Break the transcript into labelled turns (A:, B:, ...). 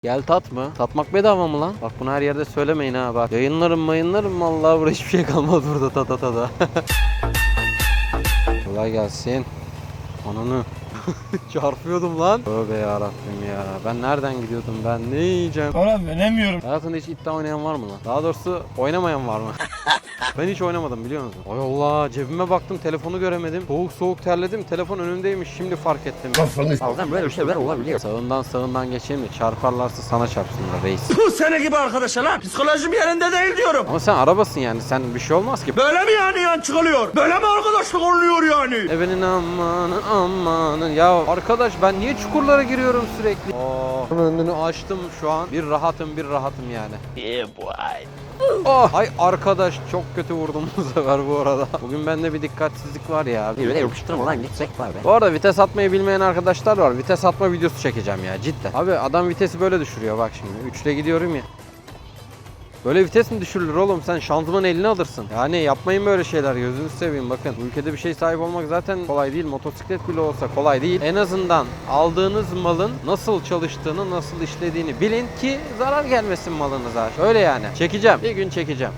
A: Gel tat mı? Tatmak bedava mı lan? Bak bunu her yerde söylemeyin ha bak. Yayınlarım vallahi burada hiçbir şey kalmadı burada tada. Kolay gelsin. Ananı. Çarpıyordum lan. Tövbe yarabbim ya. Ben nereden gidiyordum ben? Ne yiyeceğim?
B: Oğlum veremiyorum.
A: Hayatında hiç iddia oynayan var mı lan? Daha doğrusu oynamayan var mı? Ben hiç oynamadım biliyor musun? Ay Allah, cebime baktım, telefonu göremedim. Soğuk terledim, telefon önümdeymiş, şimdi fark ettim.
B: Bazen böyle şeyler olabiliyor.
A: Sağından geçeyim de çarparlarsa sana çarpsınlar reis.
B: Bu sene gibi arkadaşlar lan. Psikolojim yerinde değil diyorum.
A: Ama sen arabasın yani, sen bir şey olmaz ki.
B: Böyle mi yani yan çıkılıyor? Böyle mi arkadaşlık oluyor yani?
A: Ebenin amanın. Ya arkadaş ben niye çukurlara giriyorum sürekli? Önünü açtım şu an. Bir rahatım yani.
B: Yeah boy.
A: Oh, ay arkadaş çok kötü vurdum bu sefer bu arada. Bugün bende bir dikkatsizlik var ya.
B: Bir de yapıştırma lan gitsek var be.
A: Bu arada vites atmayı bilmeyen arkadaşlar var. Vites atma videosu çekeceğim ya cidden. Abi adam vitesi böyle düşürüyor bak şimdi. 3'le gidiyorum ya. Böyle vites mi düşürülür oğlum? Sen şanzımanı eline alırsın. Yani yapmayın böyle şeyler. Gözünüzü seveyim bakın. Bu ülkede bir şey sahip olmak zaten kolay değil. Motosiklet bile olsa kolay değil. En azından aldığınız malın nasıl çalıştığını, nasıl işlediğini bilin ki zarar gelmesin malınıza. Öyle yani. Çekeceğim. Bir gün çekeceğim.